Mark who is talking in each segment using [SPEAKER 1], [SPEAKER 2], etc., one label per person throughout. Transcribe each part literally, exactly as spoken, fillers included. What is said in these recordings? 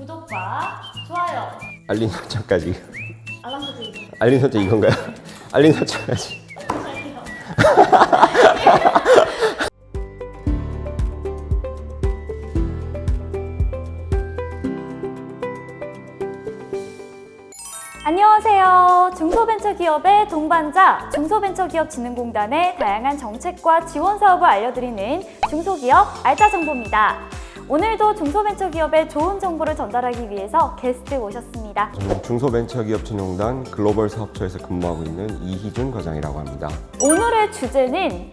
[SPEAKER 1] 구독과 좋아요,
[SPEAKER 2] 알림 설정까지.
[SPEAKER 1] 알람 설정.
[SPEAKER 2] 알림 설정 이건가요? 알림 설정까지.
[SPEAKER 1] 안녕하세요. 중소벤처기업의 동반자 중소벤처기업진흥공단의 다양한 정책과 지원 사업을 알려드리는 중소기업 알짜정보입니다. 오늘도 중소벤처기업의 좋은 정보를 전달하기 위해서 게스트 모셨습니다.
[SPEAKER 2] 저는 중소벤처기업진흥공단 글로벌 사업처에서 근무하고 있는 이희준 과장이라고 합니다.
[SPEAKER 1] 오늘의 주제는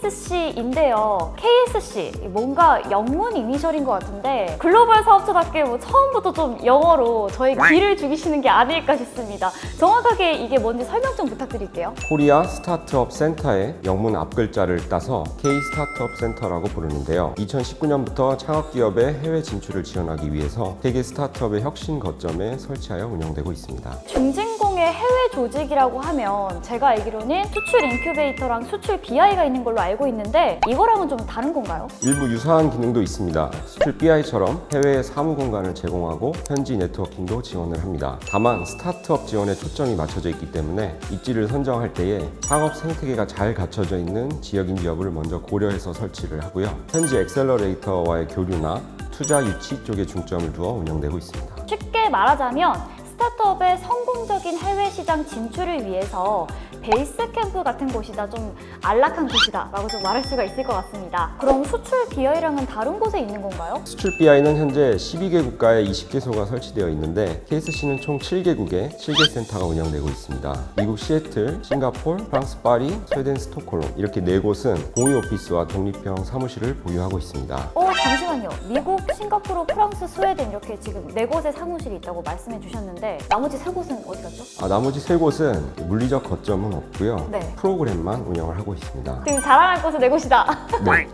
[SPEAKER 1] 케이에스씨인데요. 케이에스씨, 뭔가 영문 이니셜인 것 같은데 글로벌 사업처답게 뭐 처음부터 좀 영어로 저의 기를 죽이시는 게 아닐까 싶습니다. 정확하게 이게 뭔지 설명 좀 부탁드릴게요.
[SPEAKER 2] 코리아 스타트업 센터의 영문 앞글자를 따서 K 스타트업 센터라고 부르는데요. 이천십구 년부터 창업기업의 해외 진출을 지원하기 위해서 세계 스타트업의 혁신 거점에 설치하여 운영되고 있습니다.
[SPEAKER 1] 중진공의 해외 조직이라고 하면 제가 알기로는 수출 인큐베이터랑 수출 비아이가 있는 걸로 알고 있는데 이거랑은 좀 다른 건가요?
[SPEAKER 2] 일부 유사한 기능도 있습니다. 수출 비아이처럼 해외에 사무 공간을 제공하고 현지 네트워킹도 지원을 합니다. 다만 스타트업 지원에 초점이 맞춰져 있기 때문에 입지를 선정할 때에 창업 생태계가 잘 갖춰져 있는 지역인지 여부를 먼저 고려해서 설치를 하고요. 현지 엑셀러레이터와의 교류나 투자 유치 쪽에 중점을 두어 운영되고 있습니다.
[SPEAKER 1] 쉽게 말하자면 스타트업의 성공적인 해외 시장 진출을 위해서 베이스 캠프 같은 곳이다, 좀 안락한 곳이다 라고 좀 말할 수가 있을 것 같습니다. 그럼 수출 비아이랑은 다른 곳에 있는 건가요?
[SPEAKER 2] 수출 비아이는 현재 십이 개 국가에 이십 개소가 설치되어 있는데 케이에스씨는 총 칠 개국에 칠 개 센터가 운영되고 있습니다. 미국 시애틀, 싱가포르, 프랑스 파리, 스웨덴 스톡홀름 이렇게 네 곳은 공유 오피스와 독립형 사무실을 보유하고 있습니다.
[SPEAKER 1] 어 잠시만요. 미국, 싱가포르, 프랑스, 스웨덴 이렇게 지금 네 곳의 사무실이 있다고 말씀해 주셨는데 나머지 세 곳은 어디 갔죠?
[SPEAKER 2] 아, 나머지 세 곳은 물리적 거점은 없고요.
[SPEAKER 1] 네.
[SPEAKER 2] 프로그램만 운영을 하고 있습니다.
[SPEAKER 1] 지금 자랑할 곳은 네 곳이다.
[SPEAKER 2] 네.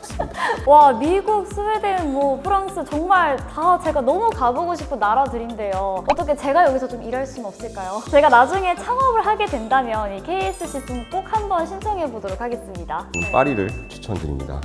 [SPEAKER 1] 와, 미국, 스웨덴, 뭐 프랑스 정말 다 제가 너무 가보고 싶은 나라들인데요. 어떻게 제가 여기서 좀 일할 수는 없을까요? 제가 나중에 창업을 하게 된다면 이 케이에스씨 좀 꼭 한번 신청해 보도록 하겠습니다.
[SPEAKER 2] 음, 파리를 추천드립니다.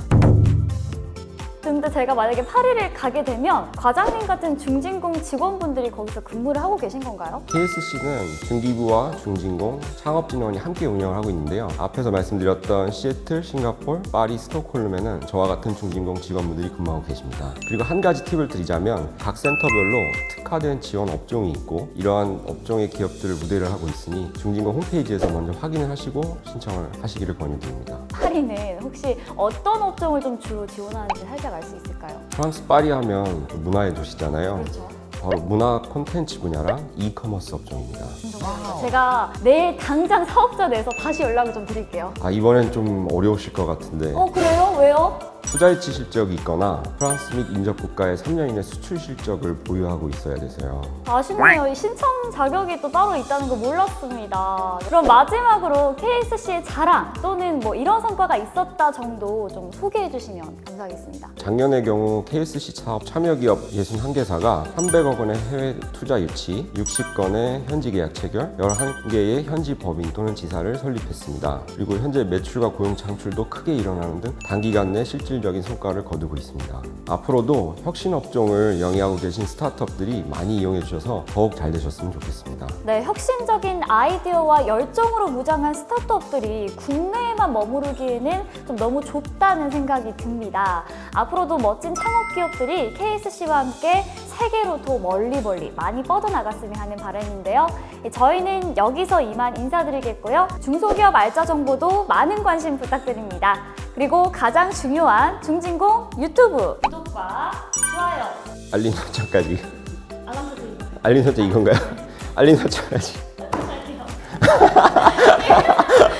[SPEAKER 1] 근데 제가 만약에 파리를 가게 되면 과장님 같은 중진공 직원분들이 거기서 근무를 하고 계신 건가요?
[SPEAKER 2] 케이에스씨는 중기부와 중진공, 창업진흥원이 함께 운영을 하고 있는데요. 앞에서 말씀드렸던 시애틀, 싱가포르, 파리, 스톡홀름에는 저와 같은 중진공 직원분들이 근무하고 계십니다. 그리고 한 가지 팁을 드리자면 각 센터별로 특화된 지원 업종이 있고 이러한 업종의 기업들을 우대를 하고 있으니 중진공 홈페이지에서 먼저 확인을 하시고 신청을 하시기를 권유드립니다.
[SPEAKER 1] 파리는 혹시 어떤 업종을 좀 주로 지원하는지 살짝 알 수 있을까요?
[SPEAKER 2] 프랑스 파리 하면 문화의 도시잖아요.
[SPEAKER 1] 그렇죠.
[SPEAKER 2] 바로 문화 콘텐츠 분야랑 이커머스 업종입니다.
[SPEAKER 1] 제가 내일 당장 사업자 내서 다시 연락을 좀 드릴게요.
[SPEAKER 2] 아, 이번엔 좀 어려우실 것 같은데
[SPEAKER 1] 어 그래요? 왜요?
[SPEAKER 2] 투자유치 실적이 있거나 프랑스 및 인접 국가에 삼 년 이내 수출 실적을 보유하고 있어야 돼서요.
[SPEAKER 1] 아쉽네요. 이 신청 자격이 또 따로 있다는 거 몰랐습니다. 그럼 마지막으로 케이에스씨의 자랑 또는 뭐 이런 성과가 있었다 정도 좀 소개해 주시면 감사하겠습니다.
[SPEAKER 2] 작년의 경우 케이에스씨 사업 참여기업 육십일 개사가 삼백억 원의 해외 투자 유치, 육십 건의 현지 계약 체결, 열한 개의 현지 법인 또는 지사를 설립했습니다. 그리고 현재 매출과 고용 창출도 크게 일어나는 등 단기간 내 실질적인 성과를 거두고 있습니다. 앞으로도 혁신 업종을 영위하고 계신 스타트업들이 많이 이용해 주셔서 더욱 잘 되셨으면 좋겠습니다.
[SPEAKER 1] 네, 혁신적인 아이디어와 열정으로 무장한 스타트업들이 국내에만 머무르기에는 좀 너무 좁다는 생각이 듭니다. 앞으로도 멋진 창업 기업들이 케이에스씨와 함께 세계로 더 멀리 멀리 많이 뻗어나갔으면 하는 바람인데요. 저희는 여기서 이만 인사드리겠고요. 중소기업 알짜 정보도 많은 관심 부탁드립니다. 그리고 가장 중요한 중진공 유튜브 구독과 좋아요,
[SPEAKER 2] 알림 설정까지.
[SPEAKER 1] 알람 설정.
[SPEAKER 2] 알림 설정 이건가요? 알림 설정까지.
[SPEAKER 1] 할게요.